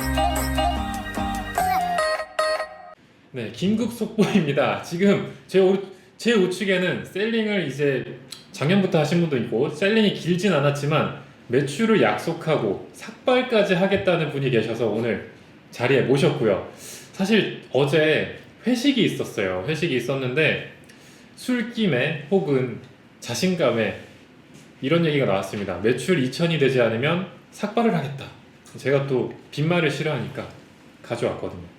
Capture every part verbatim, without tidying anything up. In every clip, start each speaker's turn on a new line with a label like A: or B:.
A: 네, 긴급 속보입니다. 지금 제, 우, 제 우측에는 셀링을 이제 작년부터 하신 분도 있고 셀링이 길진 않았지만 매출을 약속하고 삭발까지 하겠다는 분이 계셔서 오늘 자리에 모셨고요. 사실 어제 회식이 있었어요. 회식이 있었는데 술김에 혹은 자신감에 이런 얘기가 나왔습니다. 매출 이천이 되지 않으면 삭발을 하겠다. 제가 또 빈말을 싫어하니까 가져왔거든요.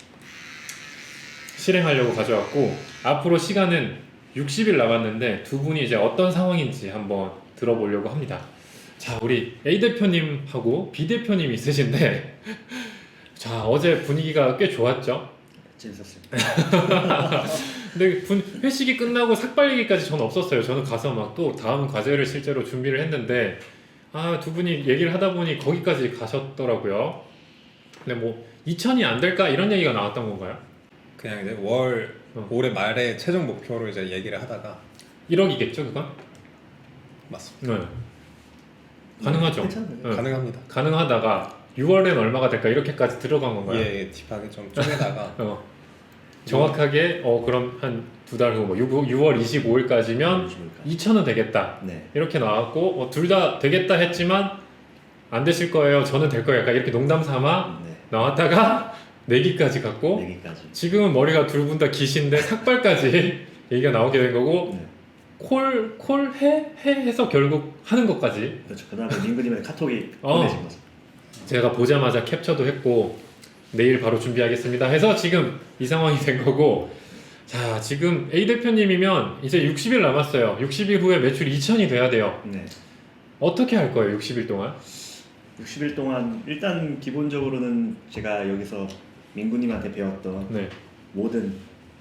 A: 실행하려고 가져왔고 앞으로 시간은 육십 일 남았는데 두 분이 이제 어떤 상황인지 한번 들어보려고 합니다. 자, 우리 A 대표님하고 B 대표님이 있으신데 자, 어제 분위기가 꽤 좋았죠?
B: 재밌었습니다.
A: 근데 분, 회식이 끝나고 삭발 얘기까지 저는 없었어요. 저는 가서 막 또 다음 과제를 실제로 준비를 했는데 아, 두 분이 얘기를 하다 보니 거기까지 가셨더라고요. 근데 뭐 이천이 안 될까 이런 얘기가 나왔던 건가요?
C: 그냥 이제 월
A: 어.
C: 올해 말에 최종 목표로 이제 얘기를 하다가
A: 일억이겠죠, 그건?
C: 맞습니다.
A: 네. 가능하죠.
B: 괜찮아요.
A: 네.
C: 가능합니다.
A: 가능하다가 유월엔 얼마가 될까 이렇게까지 들어간 건가요?
C: 예, 딥하게 좀 쪼개다가
A: 어. 정확하게 어 그럼 한 두 달 후 뭐 유월 이십오일까지면 이천은 되겠다
B: 네.
A: 이렇게 나왔고 어, 둘 다 되겠다 했지만 안 되실 거예요. 저는 될 거예요. 약간 이렇게 농담 삼아
B: 네.
A: 나왔다가 내기까지 갔고
B: 내기까지.
A: 지금은 머리가 둘 분 다 기신데 삭발까지 얘기가 나오게 된 거고
B: 네.
A: 콜, 콜, 해? 해? 해서 결국 하는 것까지
B: 그렇죠. 그다음에 민구님의 카톡이
A: 어.
B: 보내진 거죠.
A: 제가 보자마자 캡처도 했고 내일 바로 준비하겠습니다 해서 지금 이 상황이 된 거고 자 지금 A 대표님이면 이제 육십 일 남았어요. 육십 일 후에 매출 이천이 돼야 돼요.
B: 네.
A: 어떻게 할 거예요? 육십 일 동안?
B: 육십 일 동안 일단 기본적으로는 제가 여기서 민구님한테 배웠던
A: 네.
B: 모든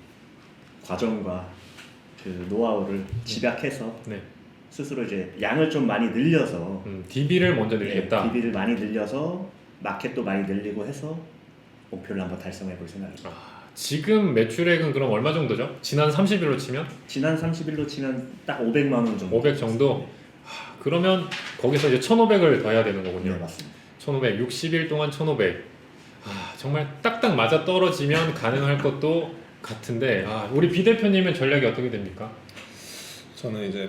B: 과정과 그 노하우를 집약해서
A: 네.
B: 스스로 이제 양을 좀 많이 늘려서
A: 음, 디비를 먼저 늘리겠다.
B: 네, 디비를 많이 늘려서 마켓도 많이 늘리고 해서 목표를 한번 달성해 볼 생각입니다.
A: 아, 지금 매출액은 그럼 얼마 정도죠? 지난 삼십 일로 치면?
B: 지난 삼십 일로 치면 딱 오백만 원 정도.
A: 오백 정도? 하, 그러면 거기서 이제 천오백을 더해야 되는 거군요.
B: 네, 맞습니다.
A: 천오백, 육십 일 동안 천오백. 아, 정말 딱딱 맞아 떨어지면 가능할 것도 같은데 아, 우리 B 대표님은 전략이 어떻게 됩니까?
C: 저는 이제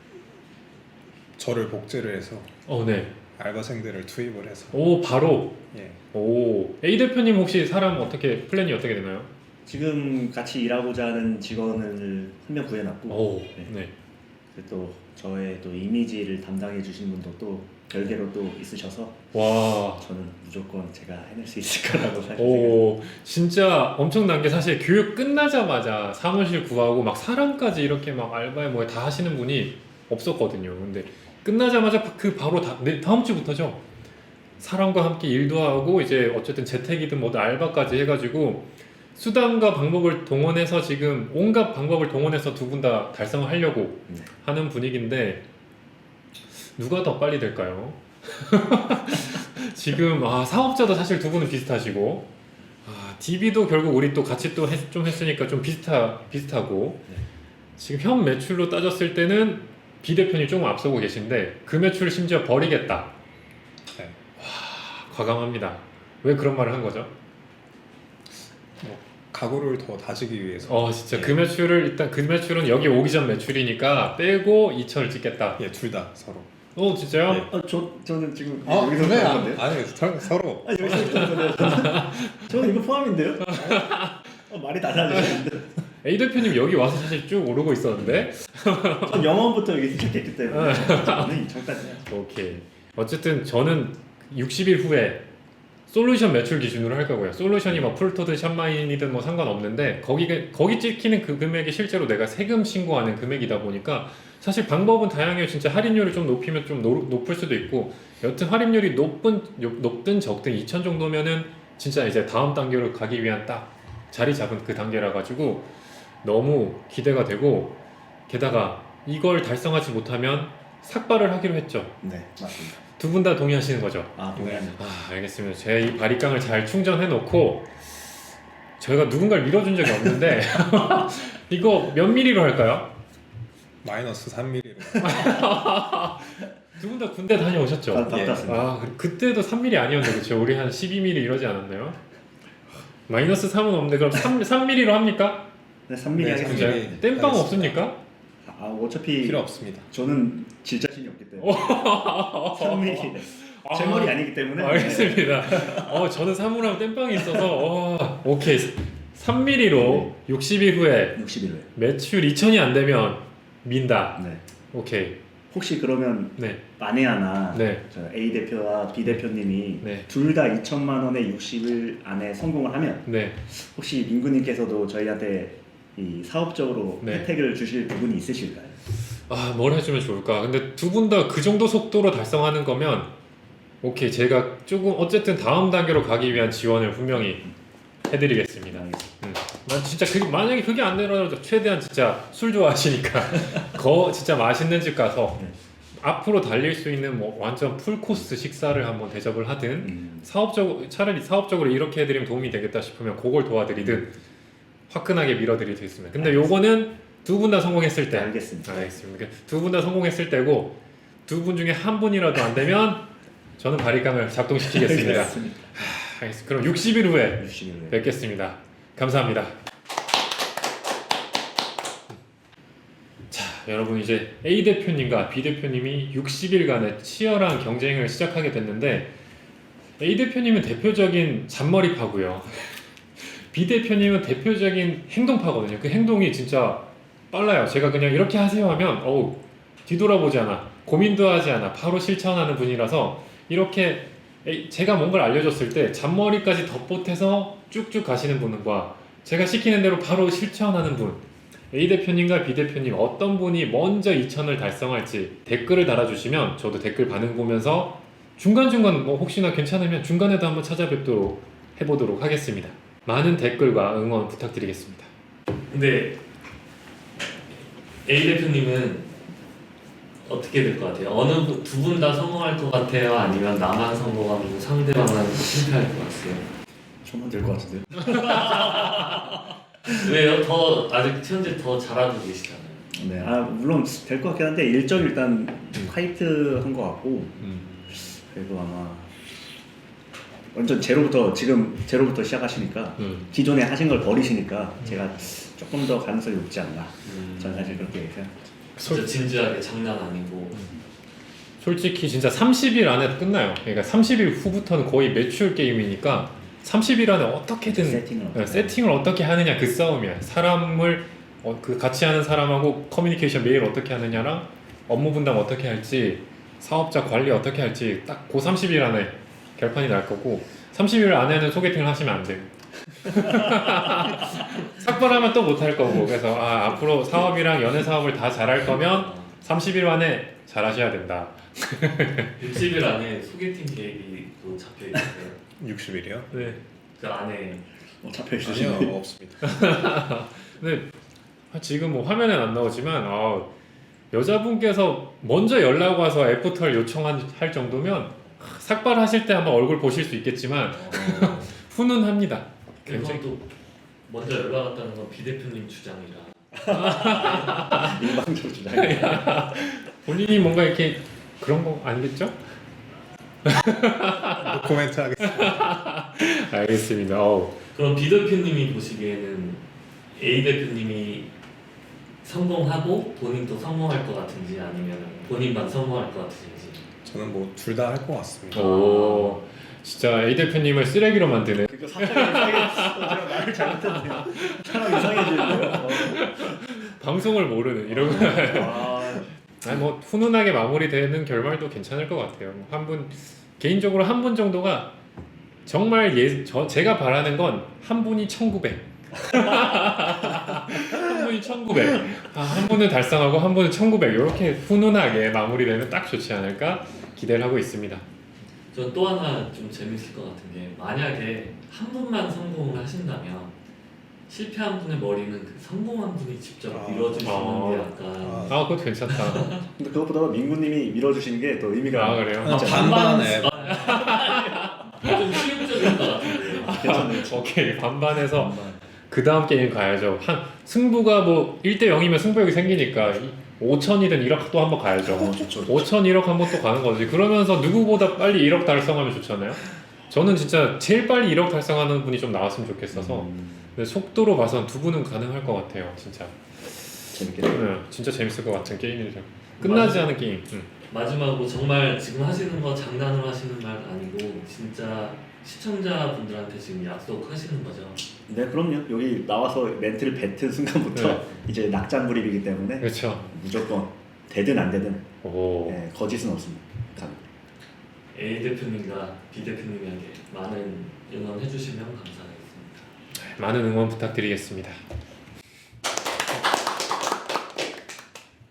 C: 저를 복제를 해서
A: 어, 네.
C: 알바생들을 투입을 해서
A: 오, 바로.
C: 예,
A: 오, A 대표님 혹시 사람 어떻게 플랜이 어떻게 되나요?
B: 지금 같이 일하고자 하는 직원을 한 명 구해놨고
A: 오,
B: 네.
A: 네.
B: 그리고 또 저의 또 이미지를 담당해 주신 분도 또 별개로 또 있으셔서
A: 와.
B: 저는 무조건 제가 해낼 수 있을 거라고 생각해요.
A: 오, 진짜 엄청난 게 사실 교육 끝나자마자 사무실 구하고 막 사람까지 이렇게 막 알바에 뭐에 다 하시는 분이 없었거든요. 근데 끝나자마자 그 바로 다, 네, 다음 주부터죠. 사람과 함께 일도 하고 이제 어쨌든 재택이든 뭐든 알바까지 해가지고 수단과 방법을 동원해서 지금 온갖 방법을 동원해서 두 분 다 달성을 하려고
B: 네.
A: 하는 분위기인데 누가 더 빨리 될까요? 지금 아, 사업자도 사실 두 분은 비슷하시고 아, 디비도 결국 우리 또 같이 또 좀 했으니까 좀 비슷하, 비슷하고
B: 네.
A: 지금 현 매출로 따졌을 때는 B 대표님 조금 앞서고 계신데 그 매출을 심지어 버리겠다.
C: 네.
A: 와, 과감합니다. 왜 그런 말을 한 거죠?
C: 뭐 각오를 더 다지기 위해서
A: 어 진짜
C: 예.
A: 그 매출을 일단 그 매출은 여기 오기 전 매출이니까 빼고 이천을 찍겠다.
C: 예, 둘 다 서로.
A: 어 진짜요?
C: 네.
B: 어, 저 저는 지금
C: 아,
B: 여기서
C: 그래?
B: 포함인데요?
C: 아니, 서, 서로.
B: 아, 여기서 있었는데 저는 이거 포함인데요? 어, 말이 달라지는데
A: A 대표님 여기 와서 사실 쭉 오르고 있었는데
B: 전 영어부터 여기 시작했기 때문에 저는 이천까지는
A: 오케이. 어쨌든 저는 육십 일 후에 솔루션 매출 기준으로 할 거고요. 솔루션이 뭐 풀토든 샵마인이든 뭐 상관없는데 거기 거기 찍히는 그 금액이 실제로 내가 세금 신고하는 금액이다 보니까 사실 방법은 다양해요. 진짜 할인율을 좀 높이면 좀 노, 높을 수도 있고 여튼 할인율이 높은 높든 적든 이천 정도면은 진짜 이제 다음 단계로 가기 위한 딱 자리 잡은 그 단계라 가지고 너무 기대가 되고 게다가 이걸 달성하지 못하면 삭발을 하기로 했죠.
B: 네, 맞습니다.
A: 두 분 다 동의하시는 거죠?
B: 아, 동의합니다.
A: 아, 알겠습니다. 제 이 바리깡을 잘 충전해 놓고 저희가 누군가를 밀어준 적이 없는데 이거 몇 미리로 할까요?
C: 마이너스 삼 밀리미터.
A: 두 분 다 군대 다녀오셨죠?
B: 다
C: 예.
B: 땄습니다.
A: 아 그때도 삼 밀리미터 아니었는데 그렇죠? 우리 한 십이 밀리미터 이러지 않았나요? 마이너스 삼은 없는데 그럼 삼, 삼 밀리미터로 합니까?
B: 네, 삼 밀리미터
C: 네,
B: 하겠습니다.
C: 삼 밀리미터.
A: 땜빵
C: 알겠습니다.
A: 없습니까?
B: 아, 어차피
C: 필요 없습니다.
B: 저는 질 자신이 없기 때문에 삼 밀리미터 제 머리 아니기 때문에
A: 알겠습니다. 어 저는 삼으로 하면 땜빵이 있어서 어, 오케이 삼 밀리미터로 육십 일 후에
B: 육십일 회.
A: 매출 이천이 안 되면 민다.
B: 네.
A: 오케이.
B: 혹시 그러면
A: 네.
B: 마네아나
A: 네.
B: 저 A 대표와 B 대표님이
A: 네.
B: 둘 다 이천만 원에 육십 일 안에 성공을 하면
A: 네.
B: 혹시 민구님께서도 저희한테 이 사업적으로
A: 네.
B: 혜택을 주실 부분이 있으실까요?
A: 아, 뭘 해주면 좋을까? 근데 두 분 다 그 정도 속도로 달성하는 거면 오케이. 제가 조금 어쨌든 다음 단계로 가기 위한 지원을 분명히 해드리겠습니다. 음. 난 진짜 그 만약에 그게 안 되더라도 최대한 진짜 술 좋아하시니까 거 진짜 맛있는 집 가서
B: 네.
A: 앞으로 달릴 수 있는 뭐 완전 풀 코스 식사를 한번 대접을 하든
B: 음.
A: 사업적 차라리 사업적으로 이렇게 해드리면 도움이 되겠다 싶으면 그걸 도와드리든 화끈하게 밀어드리겠습니다. 근데 요거는 두 분 다 성공했을 때.
B: 네, 알겠습니다.
A: 알겠습니다. 두 분 다 성공했을 때고 두 분 중에 한 분이라도 안 되면 저는 바리깡을 작동시키겠습니다.
B: 알겠습니다.
A: 하, 알겠습니다. 그럼 육십 일 후에
B: 육십일 회.
A: 뵙겠습니다. 감사합니다. 자, 여러분 이제 A 대표님과 B 대표님이 육십 일간의 치열한 경쟁을 시작하게 됐는데 A 대표님은 대표적인 잔머리파고요. B 대표님은 대표적인 행동파거든요. 그 행동이 진짜 빨라요. 제가 그냥 이렇게 하세요 하면 어우 뒤돌아보지 않아. 고민도 하지 않아. 바로 실천하는 분이라서 이렇게 제가 뭔가를 알려줬을 때 잔머리까지 덧보태서 쭉쭉 가시는 분과 제가 시키는 대로 바로 실천하는 분 A 대표님과 B 대표님 어떤 분이 먼저 이천을 달성할지 댓글을 달아주시면 저도 댓글 반응 보면서 중간중간 뭐 혹시나 괜찮으면 중간에도 한번 찾아뵙도록 해보도록 하겠습니다. 많은 댓글과 응원 부탁드리겠습니다.
D: 근데 A 대표님은 어떻게 될 것 같아요? 어느 두 분 다 성공할 것 같아요? 아니면 나만 성공하고 상대방은 실패할 것 같아요?
B: 저만 될 것 같은데요?
D: 왜요? 더 아직 현재 더 잘하고 계시잖아요.
B: 네, 아 물론 될 것 같긴 한데 일정 일단 화이트한 것 같고
A: 음.
B: 그래도 아마 완전 제로부터 지금 제로부터 시작하시니까
A: 음.
B: 기존에 하신 걸 버리시니까 제가 조금 더 가능성이 높지 않나.
D: 음,
B: 저는 사실 그렇게 생각합니다.
D: 진짜 진지하게 장난 아니고
A: 솔직히 진짜 삼십 일 안에 끝나요. 그러니까 삼십 일 후부터는 거의 매출 게임이니까 삼십 일 안에 어떻게든
B: 세팅을
A: 네,
B: 어떻게
A: 세팅을 어떻게 하느냐 그 싸움이야. 사람을 어, 그 같이 하는 사람하고 커뮤니케이션 메일 어떻게 하느냐랑 업무 분담 어떻게 할지 사업자 관리 어떻게 할지 딱 그 삼십 일 안에 결판이 날 거고 삼십 일 안에는 소개팅을 하시면 안 돼요. 삭발하면 또 못 할 거고 그래서 아, 앞으로 사업이랑 연애 사업을 다 잘할 거면 삼십 일 안에 잘하셔야 된다.
D: 육십 일 안에 소개팅 계획이 또 잡혀 있어요.
C: 육십 일이요?
A: 네.
D: 그 안에
B: 어, 잡혀 있으시네요.
C: 아니요, 없습니다.
A: 근데 지금 뭐 화면엔 안 나오지만 아, 여자분께서 먼저 연락 와서 애프터를 요청할 정도면 삭발하실 때 한번 얼굴 보실 수 있겠지만
D: 어,
A: 훈훈합니다.
D: 그건
A: 굉장히
D: 또 먼저 연락 왔다는 건 B 대표님 주장이라
B: 일방적으로 주장이.
A: 본인이 뭔가 이렇게 그런 거 아니겠죠?
C: 노코멘트 하겠습니다.
A: 알겠습니다. 어우.
D: 그럼 B 대표님이 보시기에는 A 대표님이 성공하고 본인도 성공할 것 같은지 아니면 본인만 성공할 것 같은지.
C: 저는 뭐 둘 다 할 것 같습니다.
A: 오, 진짜 A 대표님을 쓰레기로 만드는.
B: 그거 사람이 이상해. 어, 제가 말을 잘못했네요. 사람 이상해지고요. 어.
A: 방송을 모르는 이런.
B: 아,
A: 아니 뭐 훈훈하게 마무리되는 결말도 괜찮을 것 같아요. 한 분 개인적으로 한 분 정도가 정말 예, 저 제가 바라는 건 한 분이 천구백. 한 분이 천구백. 아, 한 분은 달성하고 한 분은 천구백. 이렇게 훈훈하게 마무리되면 딱 좋지 않을까 기대를 하고 있습니다.
D: 전 또 하나 좀 재밌을 것 같은 게 만약에 한 분만 성공을 하신다면 실패한 분의 머리는 그 성공한 분이 직접
C: 아.
D: 밀어주시는
A: 아.
D: 게 약간
C: 아.
A: 아, 그것도 괜찮다.
B: 근데 그것보다 민구님이 밀어주시는 게 더 의미가
A: 아, 그래요?
C: 아, 반반에
D: 좀 실용적인 것 같은데.
B: 괜찮네요.
A: 오케이 반반해서
B: 반반.
A: 그 다음 게임 가야죠. 한 승부가 뭐 일 대 영이면 승부욕이 생기니까 오천이든 일억 또 한번 가야죠.
B: 어, 좋죠.
A: 오천, 일억 한번 또 가는 거지. 그러면서 누구보다 빨리 일억 달성하면 좋잖아요. 저는 진짜 제일 빨리 일억 달성하는 분이 좀 나왔으면 좋겠어서
B: 음,
A: 근데 속도로 봐선 두 분은 가능할 것 같아요. 진짜.
B: 재밌겠네요.
A: 네, 진짜 재밌을 것 같은 게임이죠. 끝나지
D: 맞아.
A: 않은 게임. 음.
D: 마지막으로 정말 지금 하시는 거 장난으로 하시는 말 아니고 진짜 시청자분들한테 지금 약속하시는 거죠.
B: 네, 그럼요. 여기 나와서 멘트를 뱉은 순간부터
A: 네.
B: 이제 낙장불입이기 때문에
A: 그렇죠.
B: 무조건 되든 안 되든
A: 오.
B: 네, 거짓은 없습니다. 감.
D: A 대표님과 B 대표님에게 많은 응원해 주시면 감사하겠습니다.
A: 많은 응원 부탁드리겠습니다.